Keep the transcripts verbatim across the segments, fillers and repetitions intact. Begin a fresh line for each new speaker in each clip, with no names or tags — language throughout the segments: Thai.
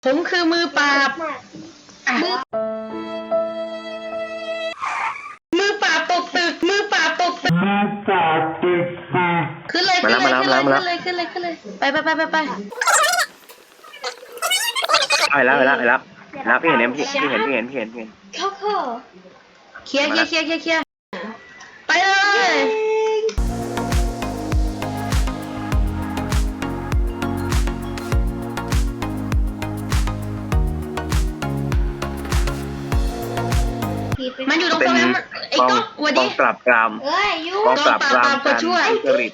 ผมคือมือปราบมือมือปราบตกตึกมือปราบตกตึกมือปราบตกตึกขึ้นเลยขึ้นเลยขึ้นเลยขึ้นเลยขึ้นเลยขึ้นเลยไปไปไปไปไป
ไปแล้วไปแล้วไปแล้วแล้วพี่เห็นเนี่ยพี่พี่เห็นพี่เห็นพี่เห็นพี่เห็น
เข้าเข้า
เคลียร์เคลียร์เคลียร์เคลียร์เคลียร์ไปเลยมันอยู่ตรง
เป็น
ตรงนั้นไอ้
กอง
ก๊อกวั
ก
ดี
องปราบปราม
เอ้ยยู
กองปราบปราม
กองปราบปราม
การ
ช่วย
ทุจริต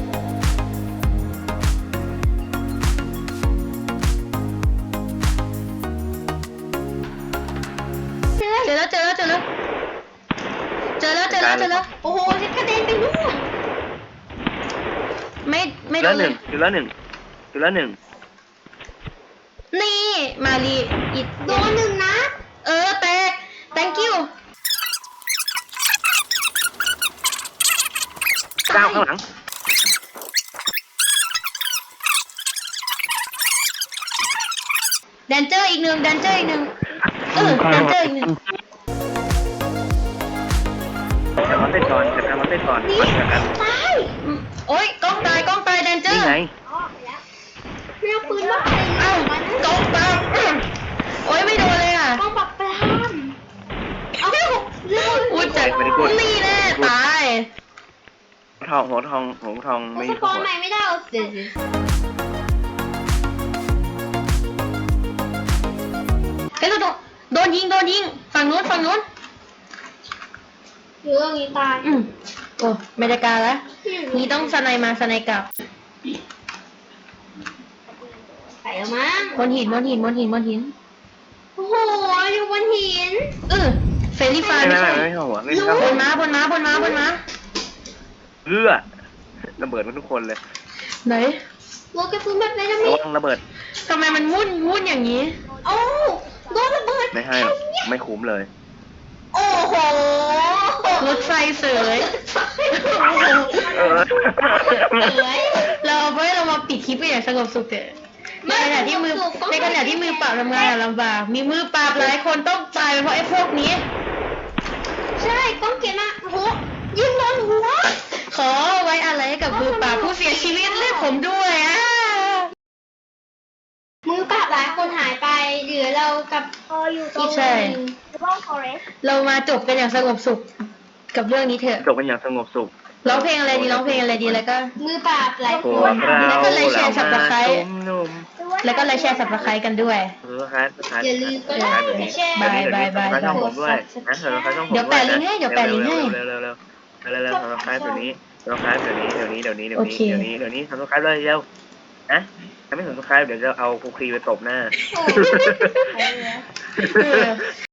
เจอแล้วเจอแล้วเจอแล้วเจอแล้วเจอแล้วเจอแล้ว
โอ้โหฉันกระเด็นไปนู่น
ไม่ไม่โด
แล้ว
น
ห
เล
นึ่ง
ย
จุดแล้วหนึ่งจุดแล้วหนึ่ง
นี่มาลีอิด
โดนหนึ่งนะ
เออแตก thank you
เก้าข้างหลัง
แดนเจอร์อีกหนึ่งแดนเจอร์อีกหนึ่งเออแดนเจอร์อีกหนึ่ง
แต่มันเต้นก่อนแต่มันเต้นก่อนมันจะกัน
ตาย
อืมโอ๊ยกล้องตายกล้องตายแดนเจอ
นี่
ร์
ไง
อ๋อไปแล้วไม่เอาปืนมาไป
เอ้า
มัน
กล้องตายโอ๊ยไม่โดนเลยอ่ะ
กองปราบปรามเอาเรื่อง
อุ้ยจัดนี่แน่ตาย
ทองหัวทองหัวทองไม่
ส
มี
ป
หั
อ
วน
ใหม่ไม่ได้เอาเดี๋ยว
เฮ้ยโดนโดนยิงโดนยิงฝั่งนู้นฝั่งนู้น
เรื่องนี้ตาย
อืมโอ้ไม่ได้การแล้วนี่ต้องสไนมาสไนกลับ
ใส่แล้วมั้ง
บนหินบนหินบนหินบนหิน
โอ้โหอยู่บนหิน
เออเฟรนลี่ไฟ
ไม่
ไม่
ไม่
ใช่
ไม่ไม่หัวไม่ใช่
บ
หัวน
ม้าบนม้าบนม้าบนม้า
เอื้อระเบิดมันทุกคนเลย
ไหน
โลกระสุนแบบไหนจะมี
ระวังระเบิด
ทำไมมันวุ่นวุ่นอย่างนี้
โอ้โดนระเบิด
ไม่ให้หรอกไม่คุ้มเลย
โอ้โห
รถไฟเสย
เออ
เอ้ย
เราเอาไว้เรามาปิดคลิปไปอย่างสงบสุขเถอะในขณะที่มือในขณะที่มือปราบทำงานอะลำบากมีมือปราบหลายคนต้องตายเพราะไอ้พวกนี้
ใช่ก้องเกียรมาโอ้โหยิงโดนหัว
ขอไว้อะไรให้กับมือปราบผู้เสียชีวิตเลือดผมด้วยอ่ะ
มือปราบหลายคนหายไปเหลือเรากับ
พออยู่ตรง
ใช่
ร่องฟอเรสต์
เรามาจบกันอย่างสงบสุขกับเรื่องนี้เถอะ
จบกันอย่างสงบสุข
ร้องเพลงอะไรดีร้องเพลงอะไรดีแล้วก็
มือปราบหลาย
พ
คว
ก
น
เรา
แล้วก็ไลค์แชร์ Subscribe
นุ่ม
แล้วก็ไลค์แชร์สับสไครต์กันด้วย
ๆเออครับครับ
อย่าลืมก็ได้
แบบนี้
แชร์
บายบายบาย
เดี๋วนี้ช่องผมด้วยนะเออช่องผม
เดี๋ยวแปะลิงก์ให้เดี๋ยวแปะลิงก์ให้
เร็วๆเร็วๆเร็วๆเร็วๆเร็วๆทำคล้ายตัวนี้ทำคล้ายตัวนี้เดี๋ยวนี้เดี๋ยวนี้เดี๋ยว
โอ
นี้
เค
เดี๋ยวนี้เดี๋ยวนี้ทำคล้ายเลยเร็วนะถ้าไม่ทำคล้ายเดี๋ยวจะเอาคุกคีไปตบหน้า
โอ้
เออ